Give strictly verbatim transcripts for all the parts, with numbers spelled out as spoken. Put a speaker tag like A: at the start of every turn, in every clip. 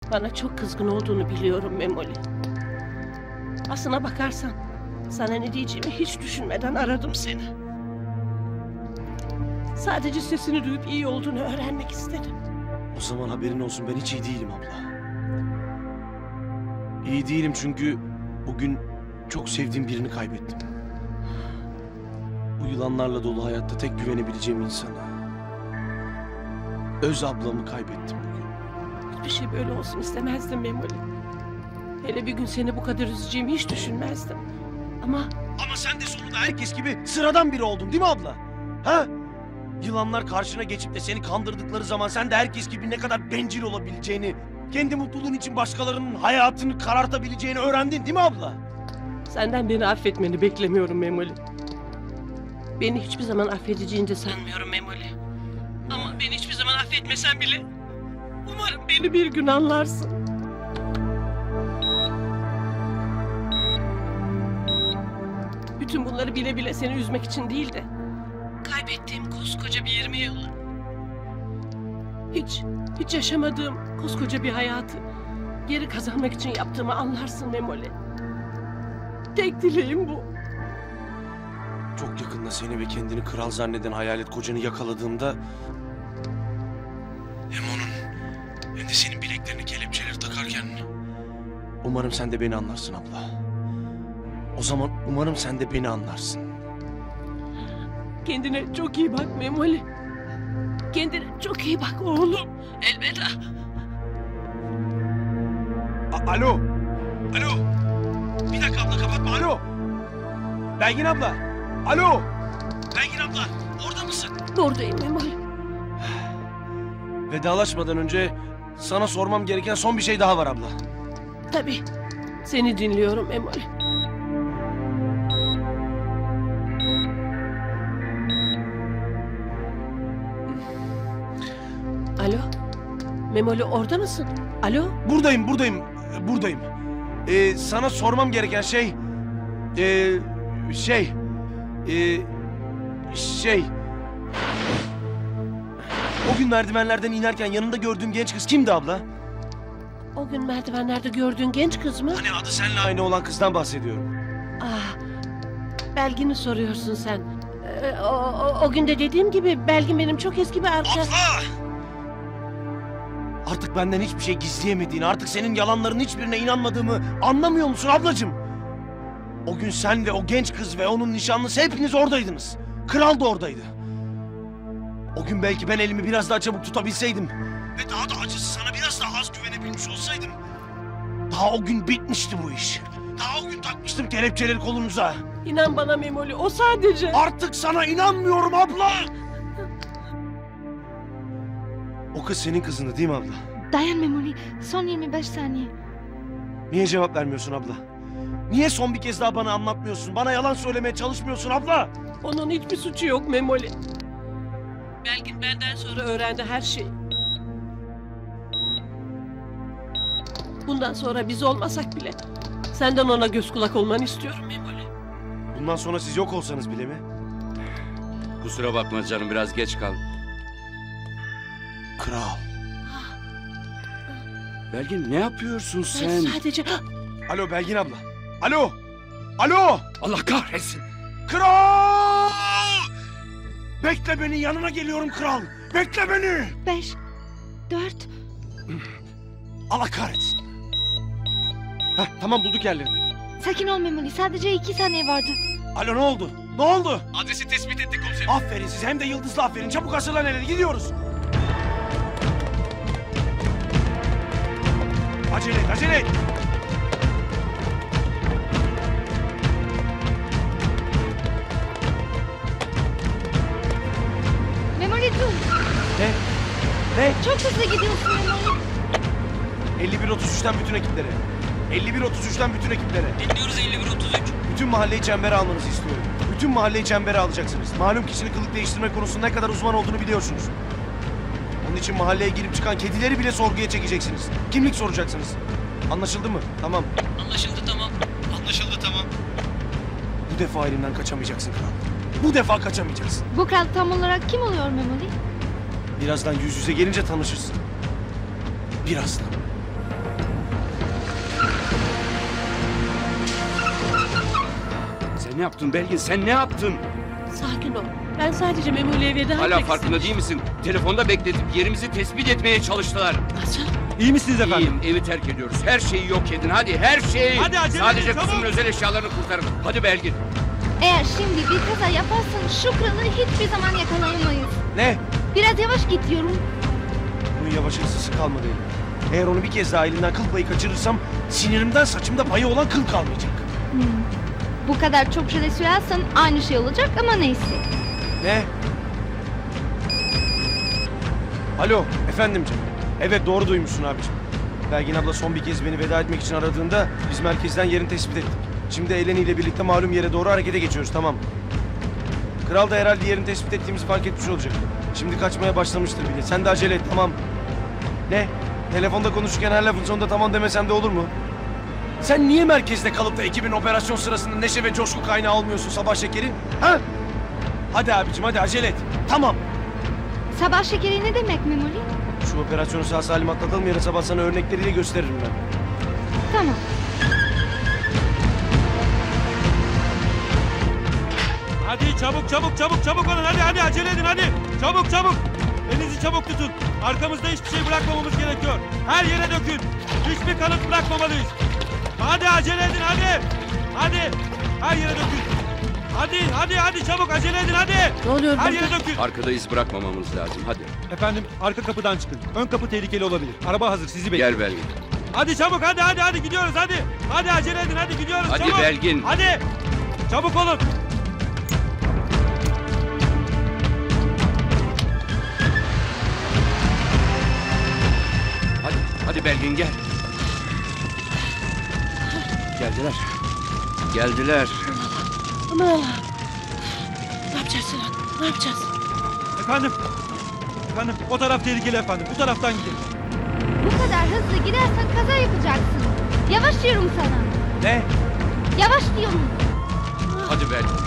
A: Bana çok kızgın olduğunu biliyorum Memoli. Aslına bakarsan sana ne diyeceğimi hiç düşünmeden aradım seni. Sadece sesini duyup iyi olduğunu öğrenmek istedim.
B: O zaman haberin olsun, ben hiç iyi değilim abla. İyi değilim çünkü bugün çok sevdiğim birini kaybettim. Bu yılanlarla dolu hayatta tek güvenebileceğim insanı. Öz ablamı kaybettim bugün.
A: Hiçbir şey böyle olsun istemezdim Memoli. Hele bir gün seni bu kadar üzeceğimi hiç düşünmezdim. Ama
B: Ama sen de sonunda herkes gibi sıradan biri oldun değil mi abla? Ha? Yılanlar karşına geçip de seni kandırdıkları zaman sen de herkes gibi ne kadar bencil olabileceğini, kendi mutluluğun için başkalarının hayatını karartabileceğini öğrendin değil mi abla?
A: senden beni affetmeni beklemiyorum Memoli. Beni hiçbir zaman affedeceğini de sanmıyorum Memoli. Ama beni hiçbir zaman affetmesen bile umarım beni bir gün anlarsın. Bütün bunları bile bile seni üzmek için değil de kaybettiğim koskoca bir yirmi yılı, hiç, hiç yaşamadığım koskoca bir hayatı geri kazanmak için yaptığımı anlarsın Memoli. Tek dileğim bu.
B: Çok yakında seni ve kendini kral zanneden hayalet kocanı yakaladığımda hem onun hem de senin bileklerini kelepçeleri takarken umarım sen de beni anlarsın abla. O zaman umarım sen de beni anlarsın.
A: Kendine çok iyi bak Memoli. Kendine çok iyi bak oğlum. Elveda.
B: A- Alo. Alo. Bir dakika abla, kapatma. Alo. Belgin abla. Alo. Belgin abla, orada mısın?
A: Buradayım Memoli.
B: Vedalaşmadan önce sana sormam gereken son bir şey daha var abla.
A: Tabii. Seni dinliyorum Memoli. Alo. Memoli orada mısın? Alo.
B: Buradayım, buradayım, buradayım. Ee, sana sormam gereken şey... Ee, şey... Ee, şey... O gün merdivenlerden inerken yanında gördüğüm genç kız kimdi abla?
A: O gün merdivenlerde gördüğün genç kız mı?
B: Hani adı seninle aynı olan kızdan bahsediyorum.
A: Ah, Belgin'i soruyorsun sen. Ee, o, o, o gün de dediğim gibi Belgin benim çok eski bir arkadaş.
B: Abla! Artık benden hiçbir şey gizleyemediğini, artık senin yalanların hiçbirine inanmadığımı anlamıyor musun ablacığım? O gün sen ve o genç kız ve onun nişanlısı hepiniz oradaydınız. Kral da oradaydı. O gün belki ben elimi biraz daha çabuk tutabilseydim ve daha da acısı sana biraz daha az güvenebilmiş olsaydım, daha o gün bitmişti bu iş. Daha o gün takmıştım kelepçeleri kolunuza.
A: İnan bana Memoli, o sadece...
B: Artık sana inanmıyorum abla! O kız senin kızındı değil mi abla?
C: Dayan Memoli, son yirmi beş saniye.
B: Niye cevap vermiyorsun abla? Niye son bir kez daha bana anlatmıyorsun? Bana yalan söylemeye çalışmıyorsun abla?
A: Onun hiçbir suçu yok Memoli. Belgin benden sonra öğrendi her şeyi. Bundan sonra biz olmasak bile senden ona göz kulak olmanı istiyorum Memoli.
B: Bundan sonra siz yok olsanız bile mi?
D: Kusura bakma canım, biraz geç kaldım.
B: Kral.
D: Belgin, ne yapıyorsun
A: Ben
D: sen?
A: sadece...
B: Alo Belgin abla. Alo. Alo.
D: Allah kahretsin.
B: Kral! Bekle beni, yanına geliyorum kral. Bekle beni.
C: Beş, dört,
B: Allah kahretsin. Heh, tamam bulduk yerlerini.
C: sakin ol Memoli, sadece iki saniye vardı.
B: Alo, ne oldu? Ne oldu?
D: Adresi tespit ettik komiserim.
B: Aferin siz, hem de yıldızlı aferin. Çabuk hazırlan, hele gidiyoruz. Acele et, acele et.
C: Memoli dur,
B: Ne? Ne?
C: çok hızlı gidiyorsun Memoli.
B: elli bir otuz üçten bütün ekiplere. elli bir otuz üçten bütün ekiplere.
A: Dinliyoruz elli bir otuz üç.
B: Bütün mahalleyi çembere almanızı istiyorum. Bütün mahalleyi çembere alacaksınız. Malum kişinin kılık değiştirme konusunda ne kadar uzman olduğunu biliyorsunuz. Onun için mahalleye girip çıkan kedileri bile sorguya çekeceksiniz. Kimlik soracaksınız. Anlaşıldı mı? Tamam.
A: Anlaşıldı tamam. Anlaşıldı tamam.
B: Bu defa elimden kaçamayacaksın kral. Bu defa kaçamayacaksın.
C: Bu kral tam olarak kim oluyor Memoli?
B: Birazdan yüz yüze gelince tanışırsın. Birazdan.
D: ne yaptın Belgin? Sen ne yaptın?
A: Sakin ol. Ben sadece Memoli'ye veda
D: Hala
A: etmek
D: farkında
A: istemiştim.
D: değil misin? Telefonda bekletip yerimizi tespit etmeye çalıştılar.
A: Nasıl?
E: İyi misiniz efendim?
D: İyiyim, evi terk ediyoruz. Her şeyi yok edin. Hadi her şeyi.
E: Hadi acele
D: Sadece
E: edin,
D: kızımın
E: çabuk.
D: özel eşyalarını kurtarın. Hadi Belgin.
C: Eğer şimdi bir kaza yaparsan şu kralı hiçbir zaman yakalayamayız.
B: Ne?
C: Biraz yavaş git diyorum.
B: Bunun yavaş hırsızı kalmadı elimde. Eğer onu bir kez daha elinden kıl payı kaçırırsam sinirimden saçımda payı olan kıl kalmayacak.
C: Hmm. Bu kadar çok jöle sürersen aynı şey olacak ama neyse.
B: Ne? Alo, efendim canım. Evet, doğru duymuşsun abicim. Belgin abla son bir kez beni veda etmek için aradığında biz merkezden yerini tespit ettik. Şimdi Eleni ile birlikte malum yere doğru harekete geçiyoruz, tamam. Kral da herhalde yerini tespit ettiğimizi fark etmiş olacak. Şimdi kaçmaya başlamıştır bile. Sen de acele et, tamam. Ne? Telefonda konuşurken her lafın sonunda tamam demesem de olur mu? Sen niye merkezde kalıp da ekibin operasyon sırasında neşe ve coşku kaynağı olmuyorsun sabah şekeri? Ha? Hadi abicim, hadi acele et. Tamam.
C: Sabah şekeri ne demek Memoli?
B: Şu operasyonu sağ salim atlatalım, yarın sabah sana örnekleriyle gösteririm ben.
C: Tamam.
E: Hadi çabuk çabuk çabuk çabuk olun hadi hadi acele edin hadi. Çabuk çabuk. Elinizi çabuk tutun. Arkamızda hiçbir şey bırakmamamız gerekiyor. Her yere dökün. Hiçbir kanıt bırakmamalıyız. Hadi acele edin hadi. Hadi. Her yere dökün. Hadi hadi hadi çabuk acele edin hadi.
A: Ne oluyor
E: Her
A: burada?
E: yere dökün.
D: Arkada iz bırakmamamız lazım. Hadi.
E: Efendim arka kapıdan çıkın. Ön kapı tehlikeli olabilir. Araba hazır sizi bekliyor.
D: Gel Belgin.
E: Hadi çabuk hadi hadi hadi gidiyoruz hadi. Hadi acele edin hadi gidiyoruz
D: Hadi
E: çabuk.
D: Belgin.
E: Hadi. Çabuk olun.
D: Hadi. Hadi Belgin gel. Geldiler. Geldiler.
A: Aman Allah'ım. Ne yapacağız Sinan? Ne yapacağız?
E: Efendim. Efendim o taraf tehlikeli efendim. Bu taraftan gidin.
C: Bu kadar hızlı gidersen kaza yapacaksın. Yavaş diyorum sana.
B: Ne?
C: Yavaş diyorum.
D: Hadi Belgin.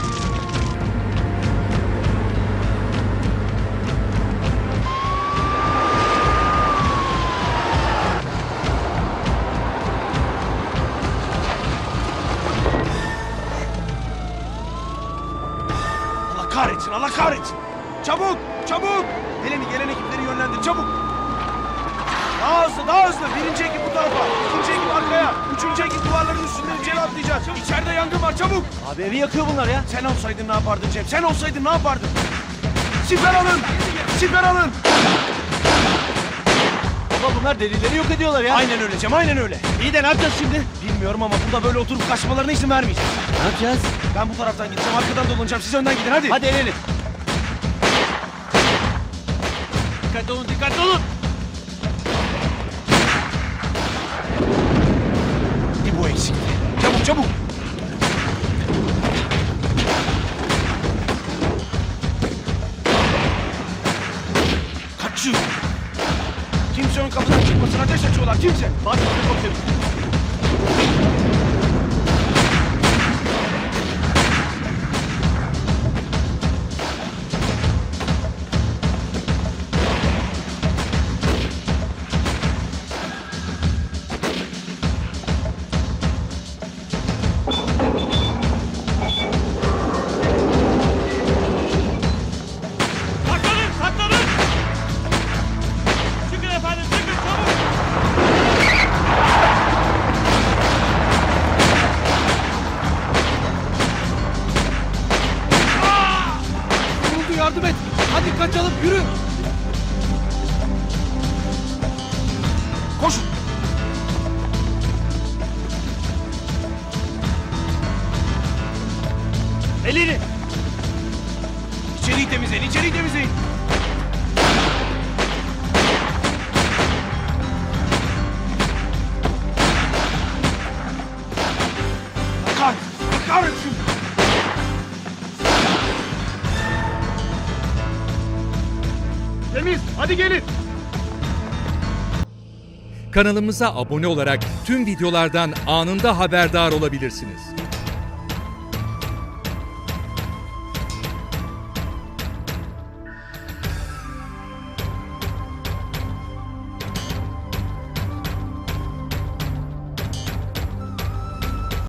B: Allah kahretsin, Allah kahretsin. Çabuk, çabuk. Eleni gelen ekipleri yönlendir, çabuk. Daha hızlı, daha hızlı. Birinci ekip bu tarafa, ikinci ekip arkaya, üçüncü ekip duvarların üstünden içeri atlayacağız. İçeride yangın var, çabuk. Abi evi yakıyor bunlar ya. Sen olsaydın ne yapardın Cem? Sen olsaydın ne yapardın? Siper alın, siper alın.
F: Baba bunlar delilleri yok ediyorlar ya.
B: Aynen öyle Cem, aynen öyle.
F: İyi de ne yapacağız şimdi?
B: Bilmiyorum ama burada böyle oturup kaçmalarına izin vermeyeceğiz.
F: Ne yapacağız?
B: Ben bu taraftan gideceğim, arkadan dolanacağım. Siz önden gidin, hadi.
F: Hadi el ele. Dikkatli olun, dikkatli olun.
B: Bir bu eksikti. Çabuk, çabuk. Kaçıyor. Kimse ön kapıdan çıkmasın. Ateş açıyorlar. Kimse.
F: Bak şimdi komiserim.
E: Saklanın saklanın. Çıkın efendim çıkın çabuk.
F: Ne oldu yardım et. Hadi kaçalım yürü.
B: Koşun. Elini. İçeriği temizleyin, içeriği temizleyin. Bakar, bakar etsin. Temiz, hadi gelin.
G: Kanalımıza abone olarak tüm videolardan anında haberdar olabilirsiniz.